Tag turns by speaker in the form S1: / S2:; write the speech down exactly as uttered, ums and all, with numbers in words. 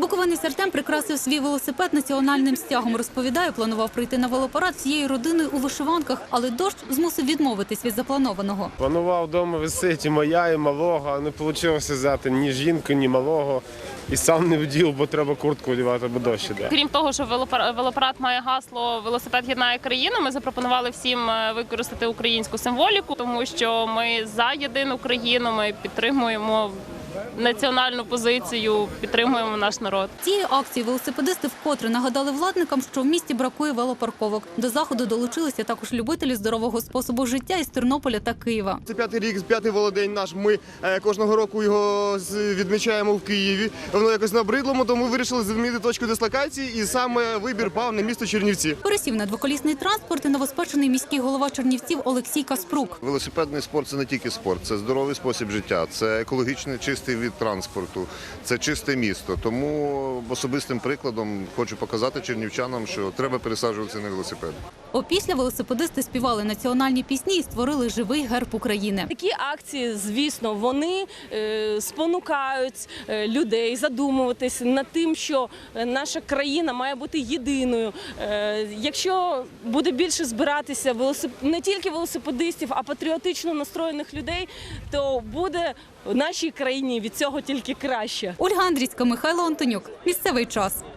S1: Буковинець Артем прикрасив свій велосипед національним стягом. Розповідає, планував прийти на велопарад всією родиною у вишиванках, але дощ змусив відмовитись від запланованого.
S2: Планував вдома висити і моя, і малого, а не вийшло взяти ні жінку, ні малого. І сам не вдів, бо треба куртку одягати, бо дощ іде.
S3: Крім того, що велопарад має гасло «Велосипед єднає країну», ми запропонували всім використати українську символіку, тому що ми за єдину країну, ми підтримуємо національну позицію, підтримуємо наш народ.
S1: Цією акцією велосипедисти вкотре нагадали владникам, що в місті бракує велопарковок. До заходу долучилися також любителі здорового способу життя із Тернополя та Києва.
S4: Це п'ятий рік, п'ятий велодень наш. Ми кожного року його відмічаємо в Києві. Воно якось набридло, тому вирішили змінити точку дислокації, і саме вибір пав на місто Чернівці.
S1: Пересів на двоколісний транспорт і новоспечений міський голова Чернівців Олексій Каспрук.
S5: Велосипедний спорт – це не тільки спорт, це здоровий спосіб життя, це екологічний чистий від транспорту, це чисте місто. Тому особистим прикладом хочу показати чернівчанам, що треба пересаджуватися на велосипед.
S1: Опісля велосипедисти співали національні пісні і створили живий герб України.
S6: Такі акції, звісно, вони е, спонукають е, людей задумуватись над тим, що наша країна має бути єдиною. Е, якщо буде більше збиратися велосип... не тільки велосипедистів, а патріотично настроєних людей, то буде в нашій країні від цього тільки краще.
S1: Ольга Андрійська, Михайло Антонюк. Місцевий час.